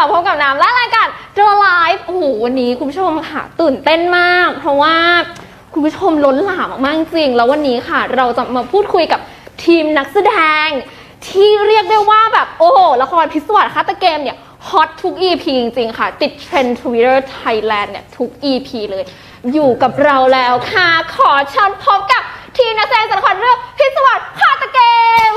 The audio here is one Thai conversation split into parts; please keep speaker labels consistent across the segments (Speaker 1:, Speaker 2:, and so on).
Speaker 1: มาพบกับน้ำและรายการ The Live โอ้โหวันนี้คุณผู้ชมค่ะตื่นเต้นมากเพราะว่าคุณผู้ชมล้นหลามมากๆจริงแล้ววันนี้ค่ะเราจะมาพูดคุยกับทีมนักแสดงที่เรียกได้ว่าแบบโอ้โหละครพิศวาสฆาตเกมเนี่ยฮอตทุก EP จริงๆค่ะติดเทรนด์ Twitter Thailand เนี่ยทุก EP เลยอยู่กับเราแล้วค่ะขอเชิญพบกับทีมนักแสดงจากละครเรื่องพิศวาสฆาตเกม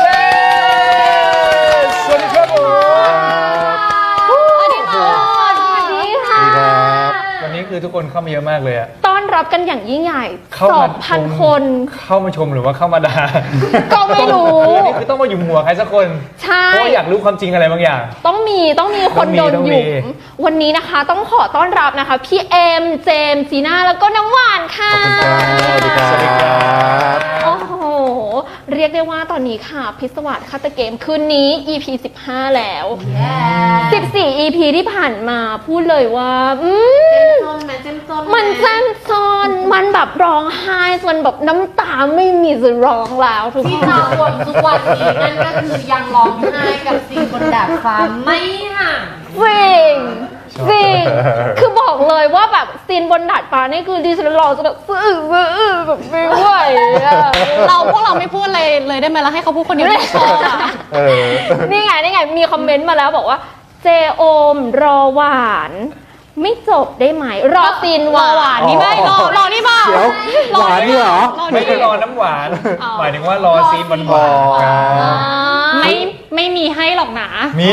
Speaker 2: สวัสดีครับผม
Speaker 1: สวัสดีค่ะสวัสดีค่ะ
Speaker 2: วันนี้คือทุกคนเข้ามาเยอะมากเลยอะ
Speaker 1: ต้อนรับกันอย่างยิ่งใหญ่ 2,000 คน
Speaker 2: เข้ามาชมหรือว่าเข้ามาด่า
Speaker 1: ก็ไม่รู้
Speaker 2: อันนี้คือต้องมาหยุมหัวใครสักคน
Speaker 1: ใช่
Speaker 2: เพราะอยากรู้ความจริงอะไรบางอย่าง
Speaker 1: ต้องมีคนโดนหยุมวันนี้นะคะต้องขอต้อนรับนะคะพี่เอ็มเจมส์จีน่าแล้วก็น้ำหวานค่ะ
Speaker 3: ขอบคุณครับสวัสดีครับ
Speaker 1: โอ้โหเรียกได้ว่าตอนนี้ค่ะพิศวาสฆาตเกมคืนนี้ EP 15 แล้ว14 EP ที่ผ่านมาพูดเลยว่ามันเจ้มจนมันแบบร้องไห้จนแบบน้ำตาไม่มีจะร้องแล้วทุกคน
Speaker 4: ที่เราวนทุกวันนี้นั่นก็คือยังร้องไห้กับสิ่งบนดาดฟ้าไม่ห่าง
Speaker 1: จริงคือบอกเลยว่าแบบซีนบนดาดฟ้านี่คือดิฉันรอจะแบบแบบไม่ไหว
Speaker 4: พวกเราไม่พูดเลยได้ไหมล่ะให้เขาพูดคนเดียว
Speaker 1: นี่ไงมีคอมเมนต์มาแล้วบอกว่าเจโอมรอหวานไม่จบได้ไหมรอซีนหวาน
Speaker 4: นี่ไม่รอนี่เปล่า
Speaker 3: เดี๋ยวหวานนี่เหรอ
Speaker 2: ไม่ได้รอน้ำหวานหมายถึงว่ารอซีนหวาน
Speaker 4: ไม่มีให้หรอกนะ
Speaker 2: มี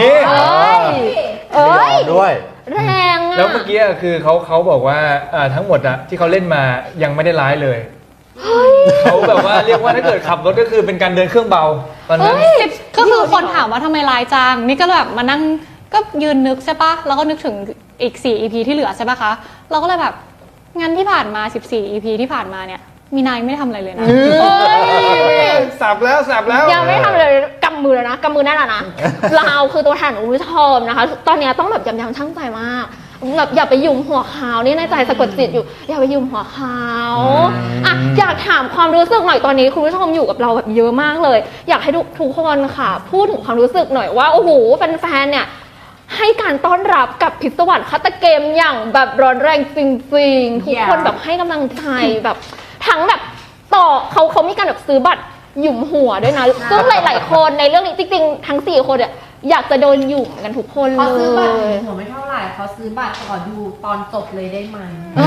Speaker 3: ด้วย
Speaker 1: แรงอะ
Speaker 2: แล้วเมื่อกี้คือเขาบอกว่าทั้งหมดอะที่เขาเล่นมายังไม่ได้ร้ายเลยเขาแบบว่าเรียกว่าถ้าเกิดขับรถก็คือเป็นการเดินเครื่องเบาตอนนั้น
Speaker 4: ก็คือคนถามว่าทำไมลายจังนี่ก็แบบมานั่งก็ยืนนึกใช่ปะแล้วก็นึกถึงอีก4 EP ที่เหลือใช่ปะคะเราก็เลยแบบงั้นที่ผ่านมา14 EP ที่ผ่านมาเนี่ยมีนายไม่ได้ทำอะไรเลยนะ
Speaker 2: สับแล้ว
Speaker 1: ยังไม่ทำเลยกำมือแล้วนะกำมือแน่นนะเราคือตัวแทนของคุณผู้ชมนะคะตอนนี้ต้องแบบยับชั่งใจมากแบบอย่าไปยุ่มหัวเขานี่ในใจสะกดจิตอยู่อย่าไปยุ่มหัวเขาอ่ะอยากถามความรู้สึกหน่อยตอนนี้คุณผู้ชมอยู่กับเราแบบเยอะมากเลยอยากให้ทุกคนค่ะพูดถึงความรู้สึกหน่อยว่าโอ้โหแฟนๆเนี่ยให้การต้อนรับกับพิศวาสฆาตเกมอย่างแบบร้อนแรงจริงๆทุกคนแบบให้กำลังใจแบบทั้งแบบต่อเขามีการแบบซื้อบัตรหยุมหัวด้วยนะซึ่งหลายๆคนในเรื่องนี้จริงๆทั้ง4 คนเนี่ยอยากจะโดนหยุมกันทุกคนเลย
Speaker 4: เขาซื้อบัตรหยุมหัวไม่เท่าไหร่เขาซื้อบัตรก่อนดูตอนจบเลยได้ไหม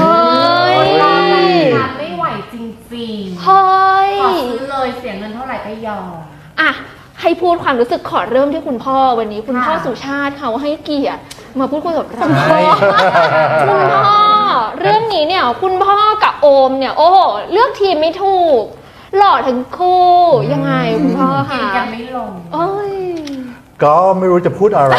Speaker 4: ไม่ไหวจริงๆขอซื้อเลยเสียเงินเท่าไหร่ก็ยอม
Speaker 1: อ่ะให้พูดความรู้สึกขอเริ่มที่คุณพ่อวันนี้คุณพ่อสุชาติเขาให้เกียรติมาพูดคุยกับเราคุณพ่อเรื่องนี้เนี่ยคุณพ่อกับโอมเนี่ยโอ้โหเลือกทีมไม่ถูกหล่อทั้งคู่ยังไงคุณพ่อค่ะ
Speaker 4: ยังไม่ลง
Speaker 3: ก็ไม่รู้จะพูดอะไร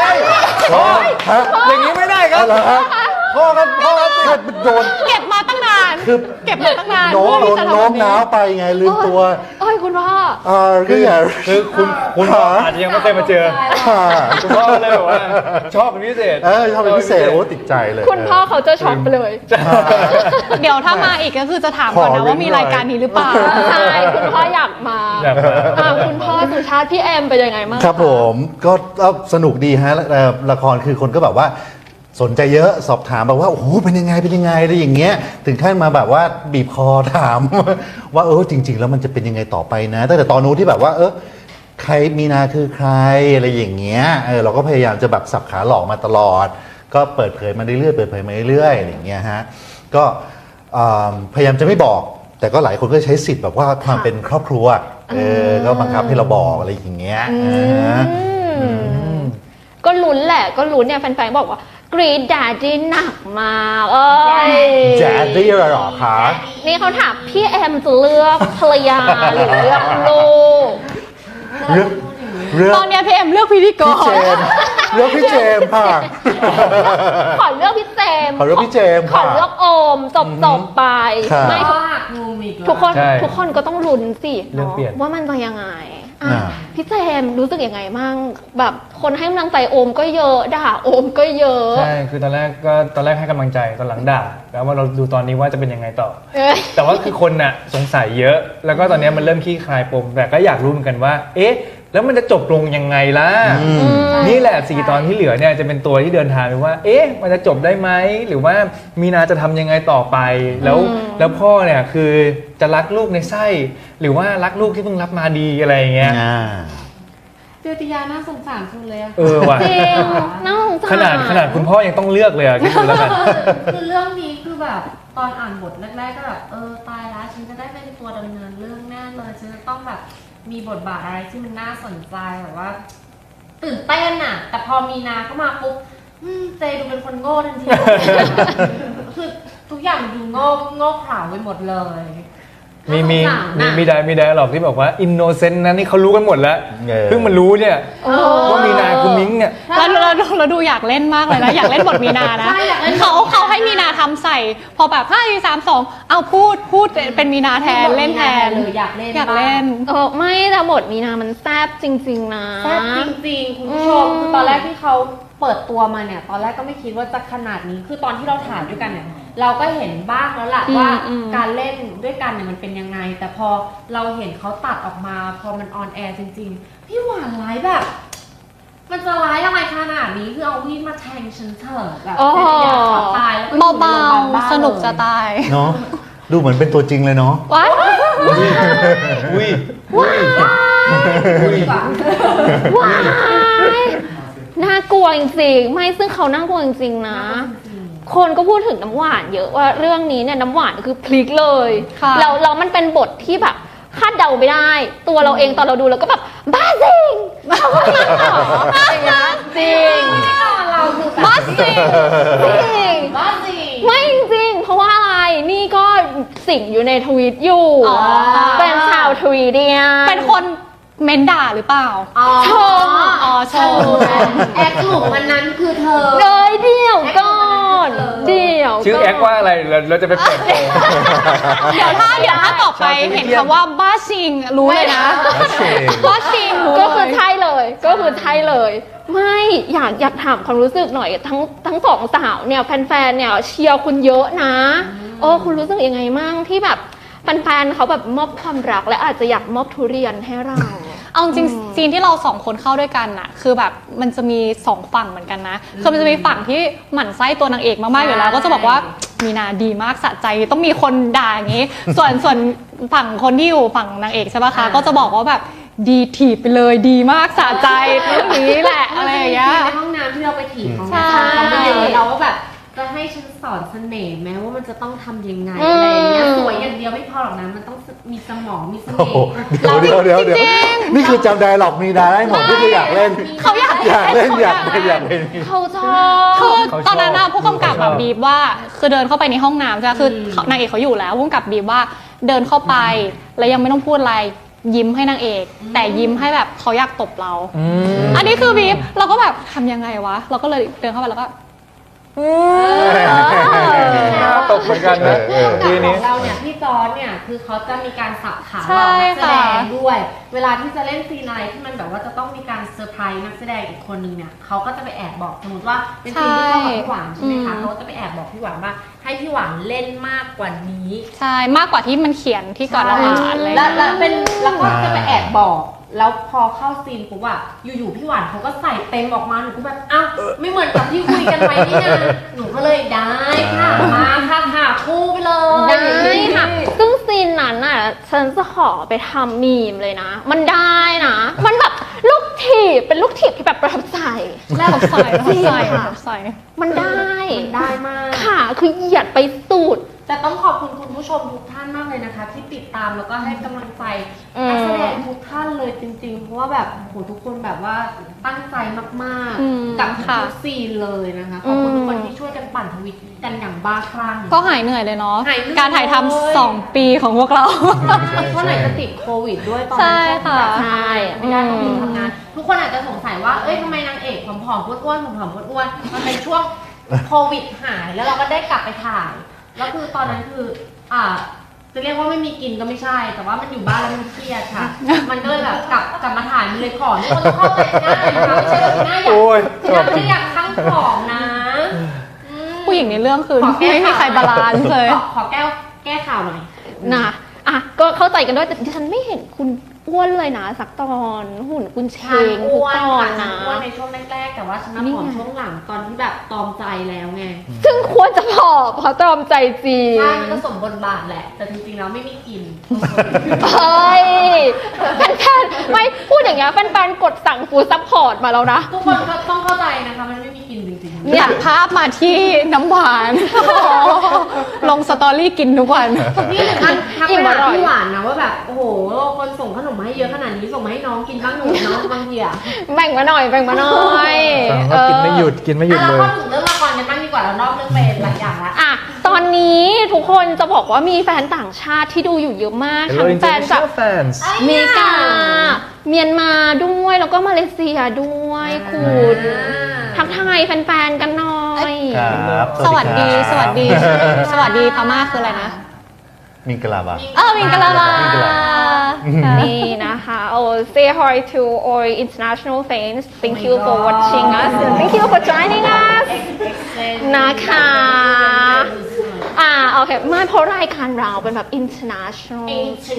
Speaker 2: อย่างนี้ไม่ได้ครับพ่อ
Speaker 3: โดน
Speaker 4: เก็บมาตั้งนานคือเก็บมาตั้งนาน
Speaker 3: โน้มน้าวไปไงลืมตัว
Speaker 1: คุณพ่อ
Speaker 2: คือคุณพ่ออาจจะยังไม่เคยมาเจอคุณพ่อเลยบอกว่าชอบเป็นพิเศษ
Speaker 3: ชอบเป็นพิเศษโอ้ติดใจเลย
Speaker 1: คุณพ่อเขาจะช็อกไปเลย
Speaker 4: เดี๋ยวถ้ามาอีกก็คือจะถามก่อนนะว่ามีรายการนี้หรือเปล่า
Speaker 1: ใช่คุณพ่ออยากมาคุณพ่อสุชาติพี่แอมเป็นยังไงบ้าง
Speaker 3: ครับผมก็สนุกดีฮะละครคือคนก็แบบว่าสนใจเยอะสอบถามแบบว่าโอ้โหเป็นยังไงอะไรอย่างเงี้ยถึงขั้นมาแบบว่าบีบคอถามว่าจริงๆแล้วมันจะเป็นยังไงต่อไปนะตั้งแต่ตอนนู้นที่แบบว่าใครมีนาคือใครอะไรอย่างเงี้ยเราก็พยายามจะแบบสับขาหลอกมาตลอดก็เปิดเผยมาเรื่อยอะไรอย่างเงี้ยฮะก็พยายามจะไม่บอกแต่ก็หลายคนก็ใช้สิทธิ์แบบว่าความเป็นครอบครัวก็บังคับให้เราบอกอะไรอย่างเงี้ย
Speaker 1: ก็ลุ้นแหละก็ลุ้นเนี่ยแฟนๆบอกว่ากรีดแดดดี้หนักมาก
Speaker 3: แดดดี้อะไรหรอคะ
Speaker 1: นี่เขาถามพี่แอมจะเลือกภรรยาหรือเลือกลูก
Speaker 4: ตอนนี้พี่แอมเลือกพิธีกร
Speaker 3: เลือกพี่เจมค่ะ
Speaker 1: ขอเลือกพี่เจม
Speaker 3: ขอเลือกพี่เจม
Speaker 1: ขอเลือกโอมจบไปไม่ทุกคนก็ต้องลุ้นสิว่ามันจะยังไงพี่เจมรู้สึกยังไงมั่งแบบคนให้กำลังใจโอมก็เยอะด่าโอมก็เยอะ
Speaker 2: ใช่คือตอนแรกให้กำลังใจตอนหลังด่าแล้วว่าเราดูตอนนี้ว่าจะเป็นยังไงต่อแต่ว่าคือคนน่ะสงสัยเยอะแล้วก็ตอนนี้มันเริ่มขี้คลายปมแต่ก็อยากรู้เหมือนกันว่าแล้วมันจะจบลงยังไงล่ะ นี่แหละ4 ตอนที่เหลือเนี่ยจะเป็นตัวที่เดินทางไปว่า เอ๊ะ มันจะจบได้ไหมหรือว่ามีนาจะทำยังไงต่อไปแล้วพ่อเนี่ยคือจะรักลูกในไส้หรือว่ารักลูกที่เพิ่งรับมาดีอะไรอย่างเงี้ย
Speaker 5: เจติยาน่าสงสารสุดเลยอะ
Speaker 2: ว่ะ
Speaker 1: จริงน่าสงสาร
Speaker 2: ขนาดคุณพ่อยังต้องเลือกเลยอะคิดดูแล้วกัน
Speaker 5: คือเรื่องนี้คือแบบตอนอ่านบทแรกๆก็แบบตายแล้วฉันจะได้เป็นตัวดำเนินเรื่องแน่เลยฉันจะต้องแบบมีบทบาทอะไรที่มันน่าสนใจแบบว่า ตื่นเต้นอะแต่พอมีนาเข้ามาปุ๊บเจดูเป็นคนโง่ทันที คือทุกอย่างมันดูโง่เขลาไปหมดเลย
Speaker 2: มีไดอะล็อกที่บอกว่าอินโนเซนต์นั้นนี่เขารู้กันหมดแล้วเพิ่งมารู้เนี่ย
Speaker 1: โอ้
Speaker 2: ว่ามีนาคือมิ้งเนี่ย
Speaker 4: แล้วดูอยากเล่นมากเลยนะ อยากเล่นบทมีนานะ
Speaker 5: ใช่อยากเล่น
Speaker 4: เขาให้มีนาทำใส่ พอแบบ5 4 3 2เอาพูดเป็นมีนาแทนเล่นแทน
Speaker 5: เลยอยากเล่น
Speaker 4: อยากเล่น
Speaker 1: ไม่แต่บทมีนามันแซ่บจริงๆนะ
Speaker 5: แซ่บจริงๆคุณผู้ชมคือตอนแรกที่เขาเปิดตัวมาเนี่ยตอนแรกก็ไม่คิดว่าจะขนาดนี้คือตอนที่เราถ่ายด้วยกันเนี่ยเราก็เห็นบ้างแล้วล่ะว่าการเล่นด้วยกันเนี่ยมันเป็นยังไง แต่พอเราเห็นเขาตัดออกมาพอมันออนแอร์จริงๆพี่หวานร้ายแบบ มันจะร้ายอะไรขนาดนี้คือเอามีดมาแทงฉันเถอะแบบเจติยาขอตายแล้วก็อยู่ใน
Speaker 4: เบา
Speaker 5: โรงพยาบาลบ้า
Speaker 4: ๆ สนุกจะตาย
Speaker 3: เนาะดูเหมือนเป็นตัวจริงเลยเนาะ
Speaker 4: ว้าย
Speaker 2: อุ้ย
Speaker 5: ดีกว่า
Speaker 1: ว้ายน่ากลัวจริงๆไม่ซึ่งเขาน่ากลัวจริงๆนะ คนก็พูดถึงน้ำหวานเยอะว่าเรื่องนี้เนี่ยน้ำหวานคือพลิกเลย
Speaker 4: ค่ะ
Speaker 1: แล้วมันเป็นบทที่แบบคาดเดาไม่ได้ ตัวเราเองตอนเราดูเราก็แบบบ้าจริงเขาว่างั้นเหรออย่างเงี้ยจริง
Speaker 5: เราคือแบบ
Speaker 1: บ้าจริงจริง
Speaker 5: บ้าจริง
Speaker 1: ไม่จริงเพราะว่าอะไรนี่ก็สิงอยู่ในทวีตอยู่
Speaker 4: อ๋อ
Speaker 1: เป็นชาวทวีเดียน
Speaker 4: เป็นคนเม้นด่าหรือเปล่า
Speaker 1: ชม
Speaker 4: อ๋อชม
Speaker 5: แอคหลุมมันนั้นคือเธอ
Speaker 1: เลยเดี๋ยวก่อนเดี๋ยว
Speaker 2: ชื่อแอคว่าอะไรเราจะไปเปิดโปง
Speaker 4: เดี๋ยวถ้าต่อไปเห็นคำว่าบ้าชิงรู้เลยนะ บ้าชิงรู้เลย
Speaker 1: ก็คือใช่เลยก็คือใช่เลย ไม่อยากถามความรู้สึกหน่อยทั้งสองสาวเนี่ยแฟนๆเนี่ยเชียร์คุณเยอะนะคุณรู้สึกยังไงมั่งที่แบบแฟนๆเขาแบบมอบความรักและอาจจะอยากมอบทุเรียนให้เรา
Speaker 4: เอาจริงๆซีนที่เราสองคนเข้าด้วยกันน่ะ คือแบบมันจะมี2ฝั่งเหมือนกันนะคือมันจะมีฝั่งที่หมั่นไส้ตัวนางเอกมากๆอยู่แล้ว ก็จะบอกว่ามีนาดีมากสะใจต้องมีคนด่าอย่างนี้ ส่วนฝั่งคนที่อยู่ฝั่งนางเอกใช่ปะคะก็จะบอกว่าแบบดีถีบไปเลยดีมากสะใจเรื่องนี้แหละอะไรอย่างเงี้ย
Speaker 5: ในห้องน้ำที่เราไปถีบเขา
Speaker 4: ใช่
Speaker 5: เขาไปเจอเราว่าแบบจะให้ฉันสอนเสน่ห์แม้ว่ามันจะต้องทำยังไงอะไรอย่างเงี้ยสวยอย่างเดียวไม่พอหรอกนะมันต้องมีสมองมีเส
Speaker 3: โอ้
Speaker 5: น่
Speaker 3: โห
Speaker 5: ห์
Speaker 3: เดี๋ยวนี่คือจำไดร์ล็อกมีนาได้หมดนี่คืออยากเล่น
Speaker 4: เขาอยาก
Speaker 3: อยากเล่น
Speaker 1: เขาชอบ
Speaker 4: คือตอนนั้นน่ะผู้กำกับแบบบีบว่าคือเดินเข้าไปในห้องน้ำใช่ไหมคือนางเอกเขาอยู่แล้วผู้กำกับบีบว่าเดินเข้าไปแล้วยังไม่ต้องพูดอะไรยิ้มให้นางเอก แต่ยิ้มให้แบบเขาอยากตบเรา อันนี้คือบีบเราก็แบบทำยังไงวะเราก็เลยเดินเข้าไปแล้วก็
Speaker 2: น่าตกเหมือนกันนะ
Speaker 5: ที
Speaker 2: ที
Speaker 5: นี้
Speaker 2: นี้
Speaker 5: เราเนี่ยพี่จอร์จเนี่ยคือเขาจะมีการสับขา
Speaker 4: ใช่
Speaker 5: เรานักแสดง
Speaker 4: ค่ะ
Speaker 5: ด้วย เวลาที่จะเล่นซีนอะไรที่มันแบบว่าจะต้องมีการเซอร์ไพรส์นักแสดงอีกคนนึงเนี่ยเขาก็จะไปแอบบอกสมมติว่าเป็นซีนที่เข้ากับพี่หวานใช่ไหมคะเขาก็จะไปแอบบอกพี่หวานว่าให้พี่หวานเล่นมากกว่านี้
Speaker 4: ใช่มากกว่าที่มันเขียนที่ก่อนเราอ่านอะไรอย่าง
Speaker 5: แล้ว
Speaker 4: เงี้ย
Speaker 5: แล้วก็จะไปแอบบอก แล้วพอเข้าซีนปุ๊บอะอยู่ๆพี่หวานเขาก็ใส่เต็มออกมาหนูก็แบบอ้าวไม่เหมือนกับที่คุยกันไว้นี่นะหนูก็เลยได้ค่ะมาค่ะหาคู่ไปเลย
Speaker 1: ได้ค่ะ ซึ่งซีนนั้นน่ะฉันจะขอไปทำมีมเลยนะ มันได้นะ มันแบบลูกถีบเป็นลูกถีบที่แบบประทับใจ
Speaker 4: แล้วใส่ใส่
Speaker 1: มันได้
Speaker 5: ได้มาก
Speaker 1: ค่ะคือเหยียดไปสุด
Speaker 5: แต่ต้องขอบคุณคุณผู้ชมทุกท่านมากเลยนะคะ ที่ติดตามแล้วก็ให้กำลังใจ
Speaker 1: อืม
Speaker 5: นักแสดงทุกท่านเลยจริงๆ เพราะว่าแบบโหทุกคนแบบว่าตั้งใจมาก
Speaker 4: อืม
Speaker 5: ๆ กับทุ
Speaker 4: ค่ะ
Speaker 5: กซีนเลยนะคะขอบคุณทุกคนที่ช่วยกันปั่นทวิตกันอย่างบ้าคลั่ง
Speaker 4: ก็หายเหนื่อยเลยเนาะ
Speaker 5: หายเหนื่อย
Speaker 4: การถ่ายทำ2 ปีของพวกเรา
Speaker 5: เพราะไหนจะติดโควิดด้วยตอน
Speaker 4: ใช่
Speaker 5: นั้น
Speaker 4: ค่ะ
Speaker 5: ใช่ไม่ได้ต้องหยุดทำงาน ทุกคนอาจจะสงสัยว่า เอ้ยทำไมนางเอกผอมๆอ้วนๆผอมๆอ้วนๆมันเป็นช่วงโควิดหายแล้วเราก็ได้กลับไปถ่ายแล้วคือตอนนั้นคือจะเรียกว่าไม่มีกินก็ไม่ใช่ แต่ว่ามันอยู่บ้านแล้วมันเครียดค่ะ มันก็เลยแบบกลับมาถ่ายมันเลยผอมทุกคนต้องเข้าใจหน้านะคะไม่ใช่ว่าหน้าอยาก
Speaker 2: โอ้ย
Speaker 5: หน้าไม่ได้อยากทั้งผอมนะอืม
Speaker 4: ผู้หญิงในเรื่องคือ
Speaker 5: ขอแก้
Speaker 4: ไม่มีใครบาลานซ์เลย
Speaker 5: ขอแก้ข่าวหน่อย
Speaker 1: นะอ่ะก็เข้าใจกันด้วยแต่ดิฉันไม่เห็นคุณอ้วนเลยนะสักตอนหุ่นคุณเช
Speaker 5: ฉัน
Speaker 1: งทุก
Speaker 5: อ้วน
Speaker 1: ตอน
Speaker 5: ค่ะฉั
Speaker 1: นะ
Speaker 5: นอ้วนในช่วงแรกๆแต่ว่าฉันมา
Speaker 1: นี่
Speaker 5: ผอม
Speaker 1: ไง
Speaker 5: ช่วงหลังตอนที่แบบตอมใจแล้วไง
Speaker 1: ซึ่งควรจะผอมเพราะตรอมใจจริง
Speaker 5: ใช่มันก็สมบทบาทแหละ แต่จริงๆแล้วไม่มีกิน
Speaker 1: เฮ้ยแฟนๆไม่พูดอย่างเงี้ยแฟนๆกดสั่งฟูดซัพพอร์ตมาแล้วนะ
Speaker 5: ทุกคนก็ต้องเข้าใจนะคะมันไม่มีกินจริงๆ
Speaker 4: อยากภาพมาที่น้ำหวาน ลงสตอรี่กินทุกวัน
Speaker 5: นี่ถึงขั้นทัก
Speaker 1: อิ่
Speaker 5: ไป
Speaker 1: มอ
Speaker 5: หา
Speaker 1: ร่อย
Speaker 5: พี่หวานนะว่าแบบโอ้โหคนส่งขนมมาให้เยอะขนาดนี้ส่งมาให้น้องกินบ้างหนูน้องบางทีอะ
Speaker 1: แบ่งมาหน่อยแบ่งมาหน่อย
Speaker 2: ก็กินไม่หยุดกินไม่หยุด
Speaker 5: เรา
Speaker 2: เลย
Speaker 5: ก็ถึงเรื่องละครกันบ้างดีกว่าเรานอกเรื่องไปหลายอย่างละ
Speaker 1: อ่ะตอนนี้ทุกคนจะบอกว่ามีแฟนต่างชาติที่ดูอยู่เยอะมาก
Speaker 2: Hello
Speaker 1: ทั้งแฟนจาก
Speaker 2: international fans
Speaker 1: อเมริกา เมียนมาด้วยแล้วก็มาเลเซียด้วยคุณ ทักทายแฟนๆกันหน่อย
Speaker 3: ครับ
Speaker 4: สวัสดี
Speaker 3: ครับ
Speaker 4: สวัสดี สวัสดีพม่าคืออะไรนะ
Speaker 3: มิงกลาบะ
Speaker 4: มิงกะลาบา
Speaker 3: มิงกะลา
Speaker 1: นี่นะคะ say hi to all international fans thank you for watching us and thank you for joining us นะคะ โอเคไม่เพราะรายการเราเป็นแบบ international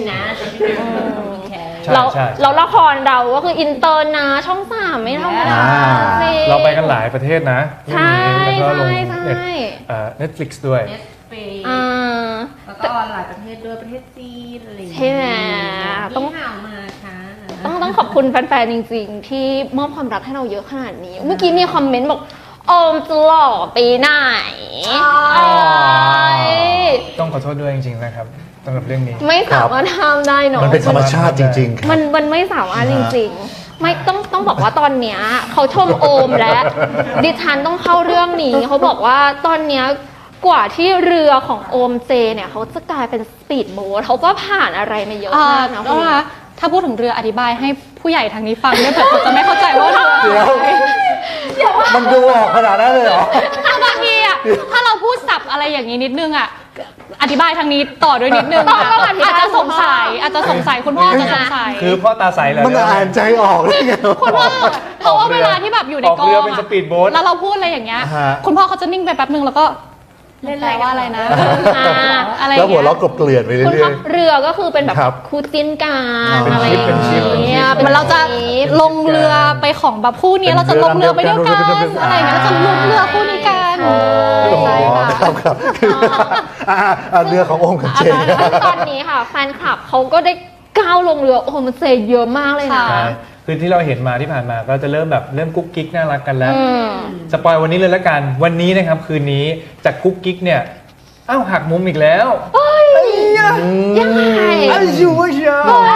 Speaker 1: เรา
Speaker 2: ใช่
Speaker 1: เราละครเราก็คืออินเตอร์นะช่อง3ไม่ธรรมดา
Speaker 3: อ่า
Speaker 1: สิ
Speaker 2: เราไปกันหลายประเทศนะ
Speaker 1: ใช่
Speaker 2: แล้วก็ลง
Speaker 1: ใช่
Speaker 2: Netflix ด้วย
Speaker 1: อ่า
Speaker 5: แล้วก็หลายประเทศด้วยประเทศจีนอะไรอย่าง
Speaker 1: ใช่
Speaker 5: เงี้ย
Speaker 1: ไหม
Speaker 5: ต้องห่าวมาค่ะ
Speaker 1: ต้องขอบคุณแฟนๆจริงๆ ที่มอบความรักให้เราเยอะขนาดนี้ เมื่อกี้มีคอมเมนต์บอกโอมจะหล่อปีไหน
Speaker 5: อ๋อ
Speaker 1: เอ้ย
Speaker 2: ต้องขอโทษด้วยจริงๆนะครับสำหรับเรื่องนี้
Speaker 1: ไม่สามารถทำได้เนาะ
Speaker 3: มันเป็นธรรมชาติจริงๆครับ
Speaker 1: มันไม่สามารถจริงๆ ไม่ต้องบอกว่าตอนเนี้ยเขาชมโอมและดิฉันต้องเข้าเรื่องนี้เขาบอกว่าตอนเนี้ยกว่าที่เรือของโอมเจเนี่ยเขาจะกลายเป็นสปีดโบ๊ทเขาก็ผ่านอะไรมาเยอะมากนะ
Speaker 4: แล้ว
Speaker 1: คุณ
Speaker 4: นะถ้าพูดถึงเรืออธิบายให้ผู้ใหญ่ทางนี้ฟังด้วยเผื่อเขาจะไม่เข้าใจว่าเรือ
Speaker 3: เดี๋ยว มันดูออกขนาดนั้นเลยเหรอ
Speaker 4: ถ้าบางทีอ่ะถ้าเราพูดศัพท์อะไรอย่างนี้นิดนึงอ่ะอธิบายทางนี้ต่อด้วยนิดนึง
Speaker 1: ต้องอธิบาย
Speaker 4: อาจจะสงสัยคุณพ่ออาจจะสงสัย
Speaker 2: คือพ่อตาใสเลย
Speaker 3: มันอ่านใจออกเลยไง
Speaker 4: คุณพ่อเพราะว่าเวลาที่แบบอยู่ใน
Speaker 2: ออก
Speaker 4: กอง
Speaker 2: เรือเป็นสปีดโบ๊ท
Speaker 4: แล้วเราพูดอะไรอย่างเงี้ย
Speaker 3: ฮะ
Speaker 4: คุณพ่อเขาจะนิ่งไปแป๊บนึงแล้วก็
Speaker 5: เล่น
Speaker 4: แปลว่าอะไรนะ
Speaker 1: อ่า
Speaker 4: อะไร
Speaker 3: แล้วหัว
Speaker 4: เงี้ย
Speaker 3: เราะกลบเกลื่อนไป
Speaker 1: คุณ
Speaker 3: เรื่
Speaker 1: พ่
Speaker 3: อ
Speaker 1: อย เรือก็คือเป็นแบบ
Speaker 3: ครับ
Speaker 1: คู่จิ้นกัน
Speaker 3: เป็น
Speaker 1: อะไร
Speaker 3: ชิป
Speaker 1: อย่างเงี้ย
Speaker 4: เหมือนเราจะลงเรือไปของแบบคู่นี้เราจะลงเรือไปด้วยกันอะไรอย่างเงี้ยเราจะลงเรือคู่นี้กัน
Speaker 3: อ๋อ
Speaker 4: ใช่ค่ะ
Speaker 3: ครับครับคือเรือของโอมกับเจน
Speaker 1: ตอนนี้ค่ะแฟนคลับเขาก็ได้ก้าวลงเรือโอมเซเยอะมากเลยนะ
Speaker 4: ค่ะ
Speaker 2: ใช่คือที่เราเห็นมาที่ผ่านมาก็จะเริ่มแบบเริ่มกุ๊กกิ๊กน่ารักกันแล้ว
Speaker 1: อืม
Speaker 2: สปอยวันนี้เลยละกัน วันนี้นะครับคืนนี้จากกุ๊กกิ๊กเนี่ยอ้าวหักมุมอีกแล้ว
Speaker 1: ยังไง
Speaker 2: อายุวะเชียว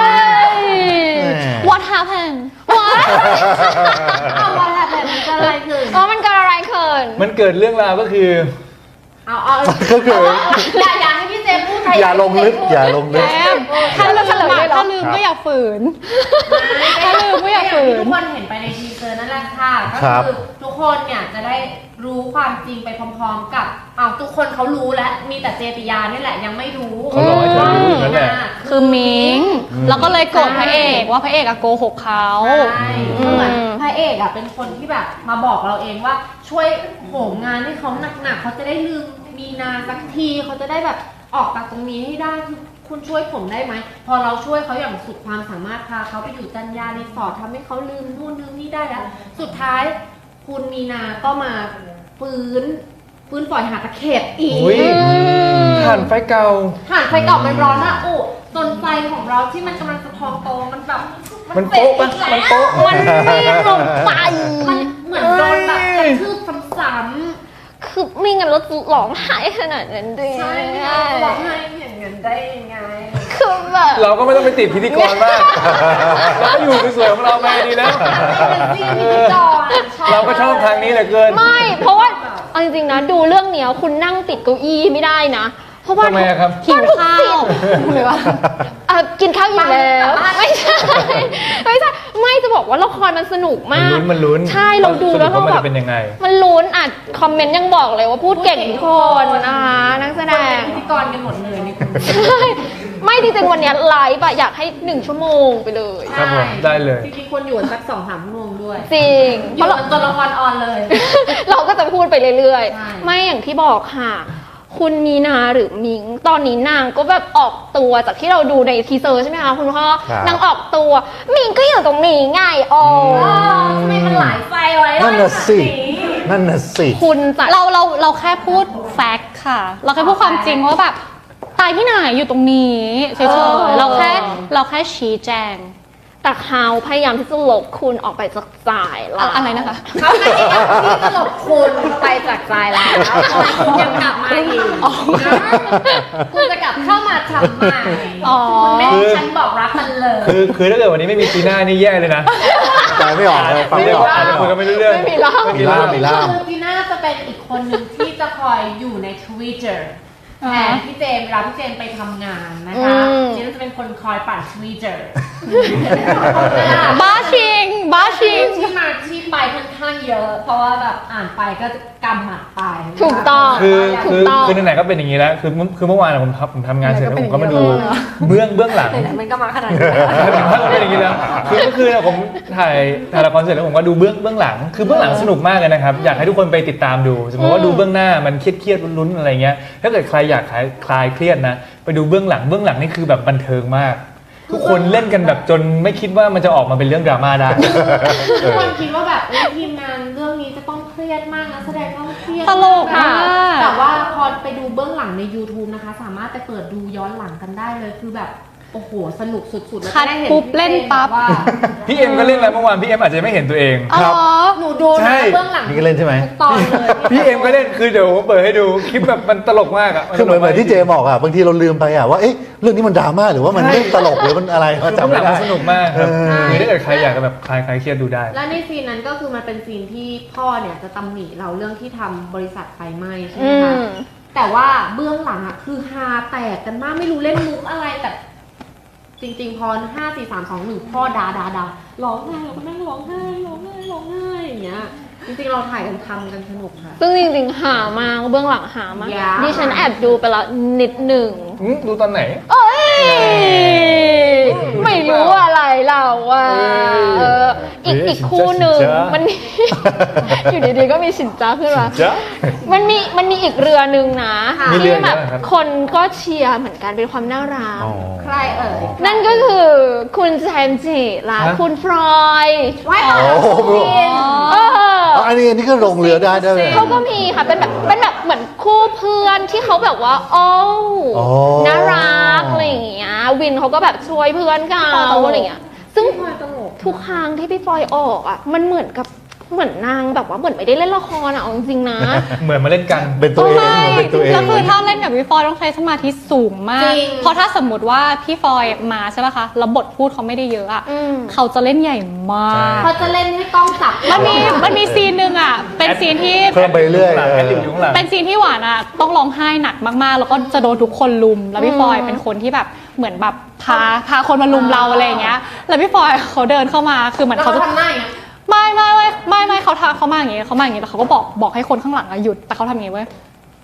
Speaker 4: What happened
Speaker 5: เอาว่าแบบมันจะอะไรขึ้น
Speaker 1: อ๋อมันเกิดอะไรขึ้น
Speaker 2: มันเกิดเรื่องราวก็คือ
Speaker 5: เอา
Speaker 3: ก็คือ
Speaker 5: อย่าให้พี่เจมพูดใคร
Speaker 3: อย่าลงลึกอย่าลงลึก
Speaker 4: แอมถ้าลืมถ้าลืมก็อย่าฝืน ถ้าลืมก็อย่าฝืน
Speaker 5: ทุกคนเห็นไปในทีเซอร์นั่นแหละค่ะก็
Speaker 3: ครับ
Speaker 5: คือทุกคนเนี่ยจะได้รู้ความจริงไปพร้อมๆกับทุกคนเขารู้แล้วมีแต่เจติยานี่แหละยังไม่รู้
Speaker 2: เขารอให้เธอรู้อยู่นั่นแหละ
Speaker 4: คือมิงแล้วก็เลยโกรธพระเอกว่าพระเอกอะโกหกเขา
Speaker 5: ใช่เหมือนพระเอกอะเป็นคนที่แบบมาบอกเราเองว่าช่วยโหมงานให้เขาหนักๆเขาจะได้ลืมมีนาสักทีเขาจะได้แบบออกจากตรงนี้ให้ได้คือคุณช่วยผมได้ไหมพอเราช่วยเขาอย่างสุดความสามารถพาเขาไปอยู่จันยารีสอร์ททำให้เขาลืมนู่นลืมนี่ได้แล้วสุดท้ายคุณมีนาก็มาฟื้นปล่อยหาตะเข็บอีก
Speaker 2: อุ้ยถ่านไฟเก่า
Speaker 5: ถ่านไฟเก่ามันร้อนอะอุจนไฟของเราที่มันกำลังจะพองโตมันแบบ
Speaker 2: มันโป๊ะปะมันโป๊ะ
Speaker 1: มันรีบลงไป
Speaker 5: มันเหมือนโดนแบบกระทืบซ้ำ
Speaker 1: คือไม่งั้นเราจะร้องไห้ขนาดนั้นด้วย
Speaker 5: ๆใช่ไม่เอาร้องไห้อย่างนั้นได้ยังไง
Speaker 1: คือแบบ
Speaker 2: เราก็ไม่ต้องไปติดพิธีกรมากเราก็อยู่สวยๆของเราไปดีแล้ว เราก็ชอบทางนี้เหลือเกิน
Speaker 1: ไม่ เพราะว่าเอาจริงๆนะดูเรื่องเนี้ยคุณนั่งติดเก้าอี้ไม่ได้นะ เพราะว่า
Speaker 2: ทำไมอะครับ
Speaker 4: หิวข้าวหรือว่า
Speaker 1: กินข้าวอยู่แล้ว ไม่ใช่ไม่ใช่ไม่จะบอกว่าละครมันสนุกมาก
Speaker 2: มันลุ้น
Speaker 1: ใช่เราดูแล้ว
Speaker 2: สรุป
Speaker 1: เรา
Speaker 2: ว่ามัน
Speaker 1: แบบ
Speaker 2: จะเป็นยังไง
Speaker 1: มันลุ้นอ่ะคอมเมนต์ยังบอกเลยว่าพูดเก่งทุกคนนะคะนักแสดง
Speaker 5: พิธีกรกันหมดเลยในกลุ่ม
Speaker 1: ใช่ไม่จริงๆวันเนี้ยไลฟ์อะอยากให้1 ชั่วโมงไปเลย
Speaker 2: ครับผมได้เลย
Speaker 5: จริงๆควรอยู่สัก2-3 ชั่วโมงด้วย
Speaker 1: จริง
Speaker 5: อยู่จนละครออนเลย
Speaker 1: เราก็จะพูดไปเรื่อย
Speaker 5: ใช่
Speaker 1: ๆ ไม่อย่างที่บอกค่ะคุณมีนาหรือมิงตอนนี้นางก็แบบออกตัวจากที่เราดูในทีเซอร์ใช่ไหมคะคุณพ่อ
Speaker 3: ครับ
Speaker 1: นางออกตัวมิงก็อยู่ตรงนี้ไงโอ้
Speaker 5: ทำไมมันหลายไฟไว้
Speaker 3: นั่นน่ะสินั่นน่ะสิ
Speaker 1: คุณจะ
Speaker 4: เราแค่พูดแฟกต์ค่ะ เราแค่พูดความจริงว่าแบบตายที่ไหนอยู่ตรงนี้เฉยๆเราแค่ชี้แจง
Speaker 1: แต่เขาพยายามที่จะลบคุณออกไปจากใจเรา
Speaker 4: อะไรนะคะ
Speaker 5: เขาไม่ได้อยากที่จะหลบคุณไปจากใจแล้วคุณยังกลับมาอีกคุณจะกลับเข้ามาทำไม
Speaker 4: อ๋อ
Speaker 5: คุณไม่ให้ฉันบอกรักมันเลย
Speaker 2: คือถ้าเกิดวันนี้ไม่มีจีน่านี่แย่เลยนะ
Speaker 3: ฟังไม่ออกเลยฟังไม่ออก
Speaker 2: อาจจะคุยกันไม่รู้เรื่อง
Speaker 1: ไม่มีเล่า
Speaker 2: ไม่มีเรื่อง
Speaker 3: มีล่าม
Speaker 5: คือจีน่าจะเป็นอีกคนหนึ่งที่จะคอยอยู่ใน Twitter แทนพี่เจมส์เวลาพี่เจมส์ไปทำงานนะคะจีน่าจะเป็นคนคอยปั่น Twitter
Speaker 4: บ้าชิง
Speaker 5: ที่มาที่ไปค่อนข้างเยอะ เพราะว่าแบบอ่านไปก็กำหมัดไป
Speaker 1: ถูกต้อง
Speaker 2: คือไหนๆก็เป็นอย่างนี้แล้วคือเมื่อวานผมทำงานเสร็จแล้วผมก็มาดูเบื้องหลัง
Speaker 5: มันก็มาขนาดนี้
Speaker 2: ถ้าเป็นอย่างนี้แล้วคือเมื่อคืนผมถ่ายละครเสร็จแล้วผมก็ดูเบื้องหลังคือเบื้องหลังสนุกมากเลยนะครับอยากให้ทุกคนไปติดตามดูสมมติว่าดูเบื้องหน้ามันเครียดลุ้นๆอะไรเงี้ยถ้าเกิดใครอยากคลายเครียดนะไปดูเบื้องหลังนี่คือแบบบันเทิงมาก ทุกคนเล่นกันแบบจนไม่คิดว่ามันจะออกมาเป็นเรื่องดราม่าได้
Speaker 5: ทุกคนคิดว่าแบบทีมงานเรื่องนี้จะต้องเครียดมากนะแสดงต้องเครียด
Speaker 4: ตลก
Speaker 5: มา
Speaker 4: อะ
Speaker 5: แต่ว่าพอไปดูเบื้องหลังใน YouTube นะคะ สามารถไปเปิดดูย้อนหลังกันได้เลยคือแบบโอ้โหสนุกสุดๆแล้ว
Speaker 4: คัด
Speaker 5: จะได้เห็น
Speaker 4: ปุ๊บเล่นปั๊บ
Speaker 5: ว่า
Speaker 2: พี่เอ็มก็เล่นแล้วเมื่อวานพี่เอ็มอาจจะไม่เห็นตัวเอง
Speaker 3: ครับ
Speaker 5: หนูดู
Speaker 2: ใช่
Speaker 5: นะเบื้องหลัง
Speaker 3: นี่ก็เล่นใช่ไหม
Speaker 5: ทุกตอนเลย
Speaker 2: พี่เอ็มก็เล่นคือเดี๋ยวผมเปิดให้ดูคลิปแบบมันตลกมากอะ
Speaker 3: คือเหมือนที่เจบอกอ่ะบางทีเราลืมไปอ่ะว่าเอ๊ะเรื่องนี้มันดราม่าหรือว่ามันเรื่องตลกหรือมันอะไร
Speaker 2: คือ
Speaker 3: จำ
Speaker 2: เบื้องห
Speaker 3: ไม่
Speaker 2: ลัง
Speaker 3: ได้
Speaker 2: มันสนุกมากครับ
Speaker 3: เออ
Speaker 2: คือถ้าเกิดใครอยากจะแบบคลายเครียดดูได้
Speaker 5: และในซีนนั้นก็คือมันเป็นซีนที่พ่อเนี่ยจะตำหนิเราเรื่องที่ทำบริษัทไฟไหม้ใช่ไหม
Speaker 1: อื
Speaker 5: คะ
Speaker 1: ม
Speaker 5: แต่ว่าเบื้องหลังอ่ะคือฮาแตกกันมากไม่รู้เล่นมุกอะไรแต่จริงๆพอ5 4 3 2 1พ่อด่าร้องไห้เราก็นั่งร้องไห้อย่างเงี้ยจริงๆเราถ่ายกันทำกันสนุกค่ะ
Speaker 1: ซึ่งจริงๆหามากเบื้องหลังหามาก
Speaker 5: ยาก
Speaker 1: ดิฉันแอบดูไปแล้วนิดหนึ่ง
Speaker 2: ดูตอนไหน
Speaker 1: เอ้ยไม่รู้อะไรเราอ่ะอีกคู่หนึ่ง
Speaker 2: สินจ๊ะ
Speaker 1: มันมี อยู่ดีๆก็มีสินจ้าขึ้นมา
Speaker 2: จ๊ะ
Speaker 1: มันมีอีกเรือหนึ่งนะ
Speaker 2: มีเรือ
Speaker 1: ที่แบบ
Speaker 2: เยอะครับ
Speaker 1: คนก็เชียร์เหมือนกันเป็นความน่ารัก
Speaker 3: อ๋อ
Speaker 5: ใครเอ่ย
Speaker 1: นั่นก็คือคุณแจมส์จิและ
Speaker 2: ฮะ
Speaker 1: คุณฟรอย
Speaker 5: ไว้
Speaker 3: โอ้โห
Speaker 1: เออ
Speaker 3: อันนี้ก็ลงเรือได้ด้วย
Speaker 1: เขาก็มีค่ะเป็นแบบเหมือนคู่เพื่อนที่เขาแบบว่าโอ้
Speaker 3: อ๋อ
Speaker 1: น่ารักอะไรอย่างเงี้ยวินเขาก็แบบช่วยเพื่อนเขาอะไรอย่างเงี้ยซึ่ง
Speaker 5: ตลก
Speaker 1: ทุกครั้งที่พี่ฟอยออกอ่ะมันเหมือนนางแบบว่าเหมือนไม่ได้เล่นละครอ่ะเอาจริงๆนะ
Speaker 2: เหมือนมาเล่นกัน
Speaker 3: เป็นตัวเอง
Speaker 4: ใช่
Speaker 3: เหมือนเป็นตัวเอง
Speaker 4: แล้วคือถ้าเล่นกับพี่ฟอยต้องใช้สมาธิสูงมาก
Speaker 5: จริง
Speaker 4: เพราะถ้าสมมติว่าพี่ฟอยมาใช่ป่ะคะแล้วบทพูดเขาไม่ได้เยอะอะ
Speaker 1: อืม
Speaker 4: เขาจะเล่นใหญ่มาก
Speaker 5: เขาจะเล่นให้กล้องจับ
Speaker 4: มันมีซีนหนึ่งอะเป็นซีนที่
Speaker 3: เพิ่มไปเรื่อย
Speaker 2: แอดลิปอยู่ข้างหลัง
Speaker 4: เป็นซีนที่หวานอะต้องร้องไห้หนักมากๆ แล้วก็จะโดนทุกคนลุม แล้วพี่ฟอยเป็นคนที่แบบเหมือนแบบพาคนมาลุมเราอะไรอย่างเงี้ย แล้วพี่ฟอยเขาเดินเข้ามาคือเหมือน
Speaker 5: แล้ว
Speaker 4: เขา
Speaker 5: เขา
Speaker 4: จะ
Speaker 5: ทำหน้าอย่างเงี้ย
Speaker 4: ไม่เขามาอย่างงี้แล้วเขาก็บอกให้คนข้างหลังอะหยุดแต่เขาทำอย่างงี้เว้ย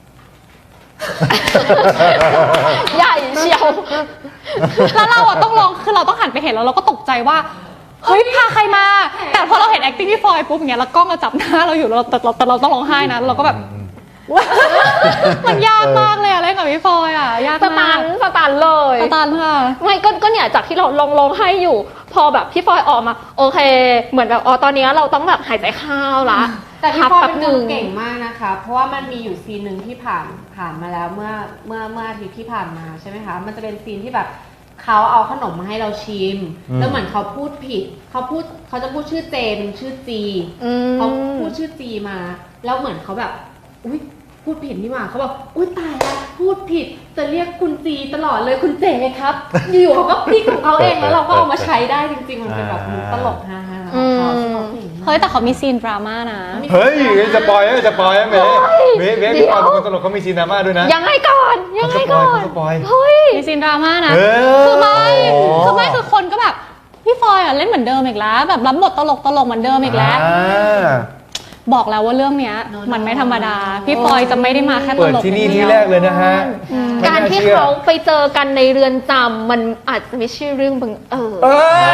Speaker 1: ใหญ่เชียว
Speaker 4: แล้วเราอะต้องร้องคือเราต้องหันไปเห็นแล้วเราก็ตกใจว่าเฮ้ยพาใครมา แต่พอเราเห็น acting พี่ฟอยปุ๊บอย่างเงี้ยแล้วกล้องเราจับหน้าเราอยู่แล้วแต่เราต้องร้องไห้นะแล้วเราก็แบบ มันยากมากเลยอะเล่นกับพี่ฟอยอะยาก
Speaker 1: ส
Speaker 4: มาก
Speaker 1: ตันเลย
Speaker 4: สตันค่ะ
Speaker 1: ไม่ก็เนี่ยจากที่เราลองให้อยู่ พอแบบพี่ฟอยออกมา โอเค เหมือนแบบตอนนี้เราต้องแบบหายใจเข้าละ
Speaker 5: แต่พี่
Speaker 1: พัก
Speaker 5: พ่อ
Speaker 1: แป๊บ
Speaker 5: เป็น
Speaker 1: ห
Speaker 5: ค
Speaker 1: นึ่
Speaker 5: น
Speaker 1: ง
Speaker 5: เก่งมากนะคะ เพราะว่ามันมีอยู่ซีนหนึ่งที่ผ่านมาแล้วเมื่ออาทิตย์ที่ผ่านมาใช่ไหมคะ มันจะเป็นซีนที่แบบเขาเอาขนมมาให้เราชิม แล้วเหมือนเขาพูดผิดเขาจะพูดชื่อเจเป็นชื่อจี
Speaker 1: อืม
Speaker 5: เขาพูดชื่อจีมา แล้วเหมือนเขาแบบอุ๊ยพูดผิดนี่หว่าเขาบอกอุ๊ยตายแล้วพูดผิดจะเรียกคุณจีตลอดเลยคุณเจครับ อยู่ๆเขาก็พลิกของเขาเองแล้วเราก็เอามาใช้ได้จริงๆมันเป็นแบบมุกตลกฮาๆของเขาซึ่งเขาเก่งมาก
Speaker 4: เฮ้ยแต่เขามีซีนดราม่านะ
Speaker 2: เฮ้ยจะปล่อยเมย์พี่ออนเป็นคนตลกเขามีซีนดราม่าด้วยนะ
Speaker 1: ยังไงก่อน
Speaker 2: เขาสปอย
Speaker 1: เฮ้ย
Speaker 4: มีซีนดราม่านะ
Speaker 2: เออ
Speaker 4: คือคนก็แบบพี่ฟอยอ่ะเล่นเหมือนเดิมอีกแล้วแบบรับบทตลกเหมือนเดิมอีกแล้ว บอกแล้วว่าเรื่องเนี้ยมันไม่ธรรมดา พี่ฟอยจะไม่ได้มาแค่ต
Speaker 2: เปิด
Speaker 4: ลก
Speaker 2: ที่นี่
Speaker 4: อย่าง
Speaker 2: ที่
Speaker 4: เดียว
Speaker 2: แรกเลยนะฮะ
Speaker 1: การที่เขาไปเจอกันในเรือนจำมันอาจจะไม่ใช่เรื่องบังเอิญ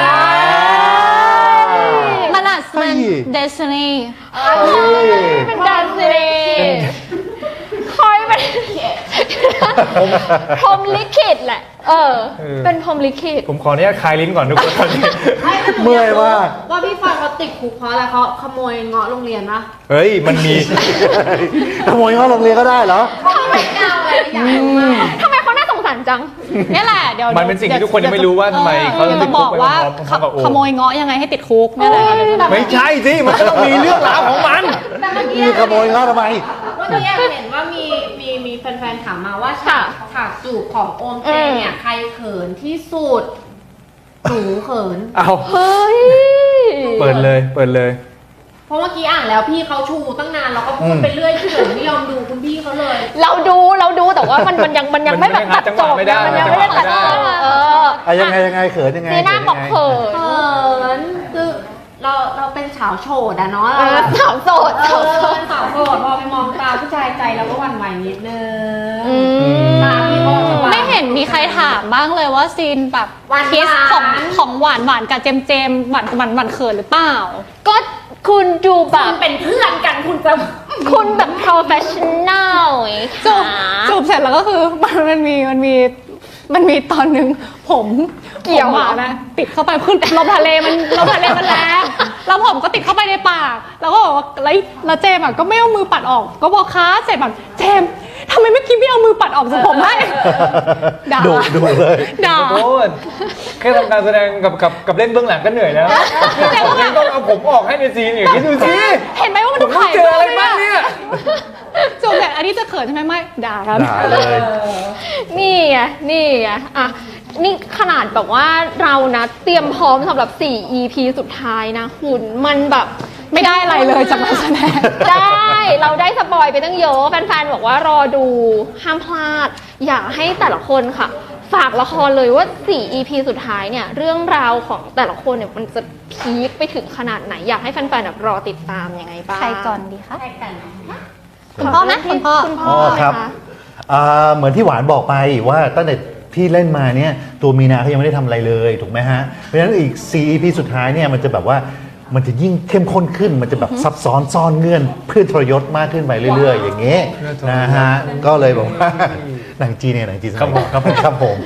Speaker 4: มันอาจจะเป็น destiny
Speaker 1: เป็นการสิคอยเป็นพรหมลิขิตแหละ เป็นพรหมลิขิต
Speaker 2: ผมขออนุญาตคลายลิ้นก่อนทุกคนตอนนี้
Speaker 3: เมื่อยมาก
Speaker 5: ว่าพี่ฟันเขาติดคุกเพราะอะไรเขาขโมยเงาะโรงเรียนปะ
Speaker 2: เฮ้ยมันมี
Speaker 3: ขโมยเข้าโรงเรียนก็ได้เหรอ
Speaker 5: เขาไม่เก่าเลยอยากรู้มาก
Speaker 1: ทำไมเขาน่าสงสารจัง
Speaker 4: นี่แหละเดี๋ยว
Speaker 2: มันเป็นสิ่งที่ทุกคนยังไม่รู้ว่าทำไมเขา
Speaker 4: จะ
Speaker 2: ติดคุ
Speaker 4: บอก ก
Speaker 2: ไป
Speaker 4: ว่า
Speaker 2: พร้อมๆกับโอ
Speaker 4: ขโมยเงาะยังไงให้ติดคุกนี่แหละ
Speaker 2: ไม่ใช่สิมันก็ต้องมีเรื่องราวของมัน
Speaker 5: แต่เมื่อกี้
Speaker 3: มีขโมยเข้าทำไม
Speaker 5: เมื่อกี้เห็นว่ามีแฟนๆถามมาว่าฉากจูบของโอมเจเนี่ยใครเขินที่สุดหนูเขิน
Speaker 2: เอา
Speaker 1: เฮ้ย
Speaker 2: เปิดเลย
Speaker 5: เพราะเมื่อกี้อ่านแล้วพี่เขาชูตั้งนานเราก็พูดไปเรื่อยเขินไม่ยอมดูคุณพี่เขาเลย
Speaker 1: เราดูแต่ว่ามันยังไม่แบบตัดจบ
Speaker 2: มันยังหาจังหวะไม่ได้
Speaker 1: มันยังไม่ได้ตัดจบ
Speaker 3: ยังไงเขินยังไง
Speaker 1: จีน่าบอกเขิน
Speaker 5: เขินคือเราเป็นสาวโฉดอะเนาะ
Speaker 1: สาวโสด
Speaker 5: สาวโฉดพอไปมองตาผู้ชายใจเราก็หวั่นไหวนิดนึง
Speaker 1: อืม
Speaker 5: ตาพี่เขาจะหวาน
Speaker 4: ไม่เห็นมีใครถามบ้างเลยว่าซีนแบบ
Speaker 5: หวานๆ
Speaker 4: คิสของหวานกับเจมหวานเขินหรือเปล่า
Speaker 1: ก็คุณดูแบ
Speaker 5: คุ
Speaker 1: บ
Speaker 5: ณเป็นเพื่อนกันคุณจะ
Speaker 1: คุณแบบ professional ไง
Speaker 4: จูบ
Speaker 1: คะ
Speaker 4: จูบเสร็จแล้วก็คือมันมีตอนหนึ่งผมเกี่ยวหมานะติดเข้าไปขึ้นลมทะเลมันแรงแล้วผมก็ติดเข้าไปในปากแล้วก็บอกว่าแล้วเจมส์ก็ไม่เอามือปัดออก ก็บอกค้าเสร็จแบบเจมส์ทำไมเมื่อกี้ไม่เอามือปัดออกจากผมให้ด่า
Speaker 3: ดูเลย
Speaker 4: ด่า
Speaker 2: โทษแค่ทำการแสดงกับเล่นเบื้องหลังก็เหนื่อยแล้วนี่ต้องเอาผมออกให้ในซีนอย่างนี้ดูสิ
Speaker 4: เห็นไหมว่ามัน
Speaker 2: ผมต้องเจออะไรบ้างเนี่ย
Speaker 4: จูบเสร็จอันนี้จะเขินใช่ไหมไม่ด่าครับ
Speaker 3: ด่าเลย
Speaker 1: นี่ไงอ่ะนี่ขนาดแบบว่าเรานะเตรียมพร้อมสำหรับ 4 EP สุดท้ายนะคุณมันแบบ
Speaker 4: ไม่ได้อะไรเลยจากนักแสดง
Speaker 1: ได้เราได้สปอยไปตั้งเยอะแฟนๆบอกว่ารอดูห้ามพลาด อยากให้แต่ละคนค่ะ ฝากละครเลยว่า 4 EP สุดท้ายเนี่ยเรื่องราวของแต่ละคนเนี่ยมันจะพีคไปถึงขนาดไหน อยากให้แฟนๆแบบรอติดตามยังไงบ้าง
Speaker 4: ใครก่อนดีคะ
Speaker 5: ใช่กัน
Speaker 4: คุณพ่อไหมคุณพ่อ
Speaker 1: คุณพ่อ
Speaker 3: ครับ
Speaker 1: ไหมะ
Speaker 3: เหมือนที่หวานบอกไปว่าตั้งแต่ที่เล่นมาเนี่ยตัวมีนาเขายังไม่ได้ทำอะไรเลยถูกไหมฮะเพราะฉะนั้นอีก 4 EP สุดท้ายเนี่ยมันจะแบบว่ามันจะยิ่งเข้มข้นขึ้น มันจะแบบซับซ้อนซ่อนเงื่อนเพื่อทรยศมากขึ้นไปเรื่อยๆ อย่างเงี้ยนะฮะก็เลยบอกว่าหนังจีนเนี่ยหนังจีนสมัยครับผม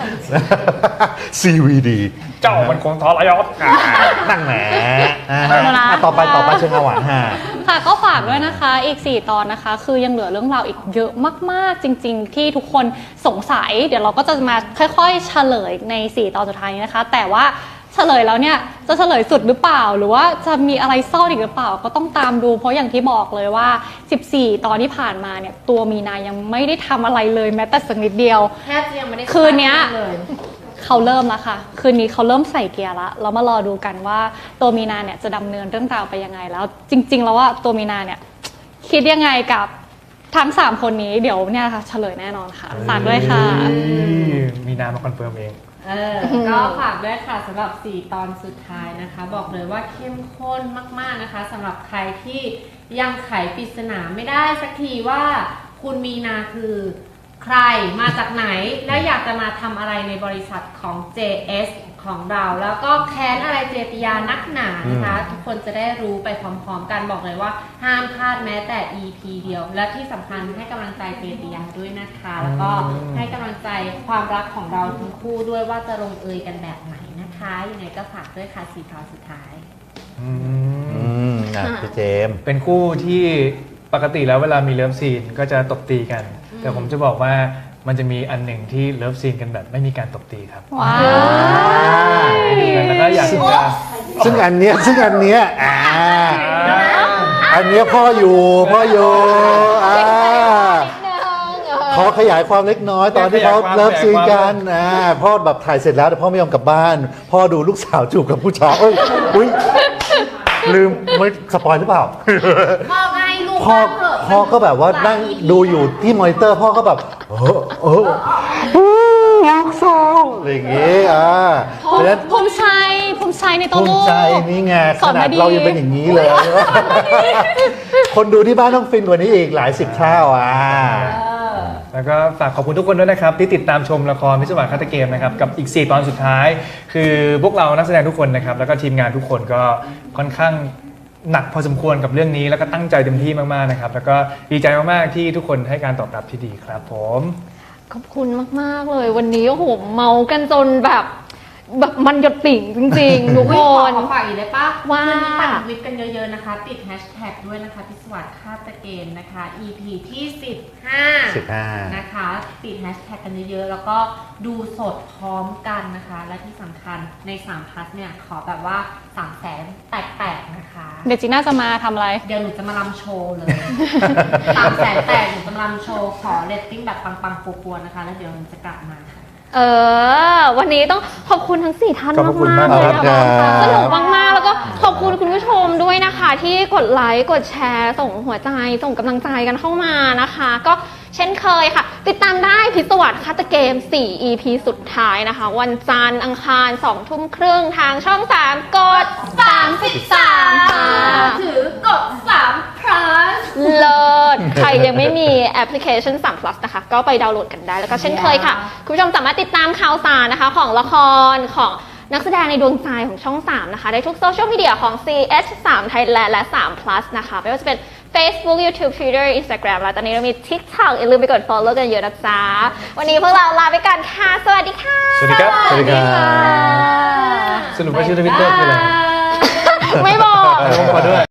Speaker 3: CVD
Speaker 2: เจ้ามันคงทรยศ
Speaker 3: นั่งแหมต่อไปเชิงอาหวานฮะ
Speaker 4: ค่ะก็ฝากด้วยนะคะอีก 4 ตอนนะคะ คือยังเหลือเรื่องราวอีกเยอะมากๆจริง ๆ ที่ทุกคนสงสัย เดี๋ยวเราก็จะมาค่อยๆเฉลยใน 4 ตอนสุดท้ายนี้นะคะ แต่ว่าเฉลยแล้วเนี่ยจะเฉลยสุดหรือเปล่า หรือว่าจะมีอะไรซ่อนอีกหรือเปล่าก็ต้องตามดูเพราะอย่างที่บอกเลยว่า 14 ตอนที่ผ่านมาเนี่ยตัวมีนายังไม่ได้ทำอะไรเลยแม้แต่สักนิดเดียว
Speaker 5: แทบจะยังไม่ได้
Speaker 4: คืนเนี้ย
Speaker 5: เลย
Speaker 4: เขาเริ่มแล้วค่ะ คืนนี้เขาเริ่มใส่เกียร์ละเรามารอดูกันว่าตัวมีนาเนี่ยจะดำเนินเรื่องราวไปยังไงแล้ว จริง ๆ แล้วว่าตัวมีนาเนี่ยคิดยังไงกับทั้ง 3 คนนี้เดี๋ยวเนี่ยค่ะเฉลยแน่นอนค่ะฝากด้วยค่ะ
Speaker 2: มีนามาคอนเฟิร์มเอง
Speaker 5: ก็ฝากด้วยค่ะสำหรับ 4 ตอนสุดท้ายนะคะ บอกเลยว่าเข้มข้นมากๆนะคะสำหรับใครที่ยังไขปริศนาไม่ได้สักทีว่าคุณมีนาคือใครมาจากไหน และอยากจะมาทำอะไรในบริษัทของ JS ของเรา แล้วก็แค้นอะไรเจติยานักหนานะคะ ทุกคนจะได้รู้ไปพร้อมๆกันบอกเลยว่าห้ามพลาดแม้แต่ EP เดียว และที่สำคัญให้กำลังใจเจติยาด้วยนะคะ แล้วก็ให้กำลังใจความรักของเราทั้งคู่ด้วยว่าจะลงเอยกันแบบไหนนะคะยังไงก็ฝากด้วยค่ะ4 ตอนสุดท้าย
Speaker 3: พี่เจมส์
Speaker 2: เป็นคู่ที่ปกติแล้วเวลามีเลิฟซีนก็จะตบตีกัน แต่ผมจะบอกว่ามันจะมีอันหนึ่งที่เลิฟซีนกันแบบไม่มีการตบตีครับ
Speaker 4: ว้าว
Speaker 2: แล้วก็อยากจะ
Speaker 3: ซึ่งอันเนี้ยอันเนี้ยพ่ออยู่ขอขยายความเล็กน้อยตอนที่เขาเลิฟซีนกันพ่อแบบถ่ายเสร็จแล้วแต่พ่อไม่ยอมกลับบ้าน พ่อดูลูกสาวจูบกับผู้ชายอุ้ยลืมไม่สปอยหรือเปล่า
Speaker 5: พ่อไงลูก
Speaker 3: พ่อก็แบบว่านั่งดูอยู่ที่มอนิเตอร์พ่อก็แบบลูกสาวอะไรอย่างงี้เพราะฉะนั้น
Speaker 4: ภูมิใจในตัว
Speaker 3: ภู
Speaker 4: ลู
Speaker 3: มิ
Speaker 4: ก
Speaker 3: ใจนี่ไง
Speaker 4: ส
Speaker 3: ข
Speaker 4: อน
Speaker 3: นา
Speaker 4: มา
Speaker 3: ด
Speaker 4: ดี
Speaker 3: เรายังเป็นอย่างนี้เลย คนดูที่บ้านต้องฟินกว่านี้อีกหลาย10 เท่า
Speaker 2: แล้วก็ฝากขอบคุณทุกคนด้วยนะครับที่ติดตามชมละครพิศวาสฆาตเกมนะครับกับอีก 4 ตอนสุดท้าย คือพวกเรานักแสดงทุกคนนะครับแล้วก็ทีมงานทุกคนก็ค่อนข้างหนักพอสมควรกับเรื่องนี้แล้วก็ตั้งใจเต็มที่มากๆนะครับแล้วก็ดีใจมากๆที่ทุกคนให้การตอบรับที่ดีครับผม
Speaker 1: ขอบคุณมากๆเลยวันนี้โอ้โหเมากันจนแบบมันหยดติ่งจริงๆทุก
Speaker 5: อุ๊
Speaker 1: ค
Speaker 5: ยขอน ฝากอีกได้ปะ
Speaker 1: ว่า
Speaker 5: วันนี้ปั่นทวิตกันเยอะๆนะคะ ติดแฮชแท็กด้วยนะคะพิศวาสฆาตเกมนะคะ EP ที่ 15 นะคะ ติดแฮชแท็กกันเยอะๆ แล้วก็ดูสดพร้อมกันนะคะ และที่สำคัญใน3 พัทเนี่ย ขอแบบว่า 300,000 แตกๆนะคะ
Speaker 4: เดี๋ยวจีน่าจะมาทำอะไร
Speaker 5: เดี๋ยวหนูจะมาลำโชว์เลย 300,000 แตกหนูจะมาลำโชว์ ขอเรตติ้งแบบปังๆปัวๆนะคะ แล้วเดี๋ยวหนูจะกลับมาค่ะ
Speaker 1: วันนี้ต้องขอบคุณทั้ง4ท่าน
Speaker 2: ขอบคุณ
Speaker 1: มากๆ
Speaker 2: มาก
Speaker 1: เลย
Speaker 3: ครั
Speaker 1: นะ
Speaker 3: บ
Speaker 1: คะสนุกมากๆแล้วก็ขอบคุณคุณผู้ชมด้วยนะคะ ที่กดไลค์กดแชร์ส่งหัวใจส่งกำลังใจกันเข้ามานะคะ ก็เช่นเคยค่ะ ติดตามได้พิศวาสฆาตเกม4 EP สุดท้ายนะคะ วันจันทร์อังคาร2 ทุ่มครึ่งทางช่อง 3 กด 33 ค่ะ
Speaker 5: ถือกด3 plus
Speaker 1: เลิศใครยังไม่มีแอปพลิเคชัน3 plus นะคะ ก็ไปดาวน์โหลดกันได้ แล้วก็เช่นเคยค่ะ คุณผู้ชมสามารถติดตามข่าวสารนะคะ ของละครของนักแสดงในดวงใจของช่อง 3 นะคะ ได้ทุกโซเชียลมีเดียของ CH3 Thailand และ3 plus นะคะ ไม่ว่าจะเป็น Facebook YouTube Twitter Instagram แล้วตอนนี้เรามี TikTok อย่าลืมไปกด follow กันเยอะนะจ๊ะ วันนี้พวกเราลาไปก่อนค่ะ สวัสดีค่ะ
Speaker 2: สวัสดีครับ
Speaker 3: สวัสดีครับ
Speaker 2: สรุปว่าชื่อทวิตเตอร์คืออะไร
Speaker 1: ไม่บอก
Speaker 2: ขอด้วย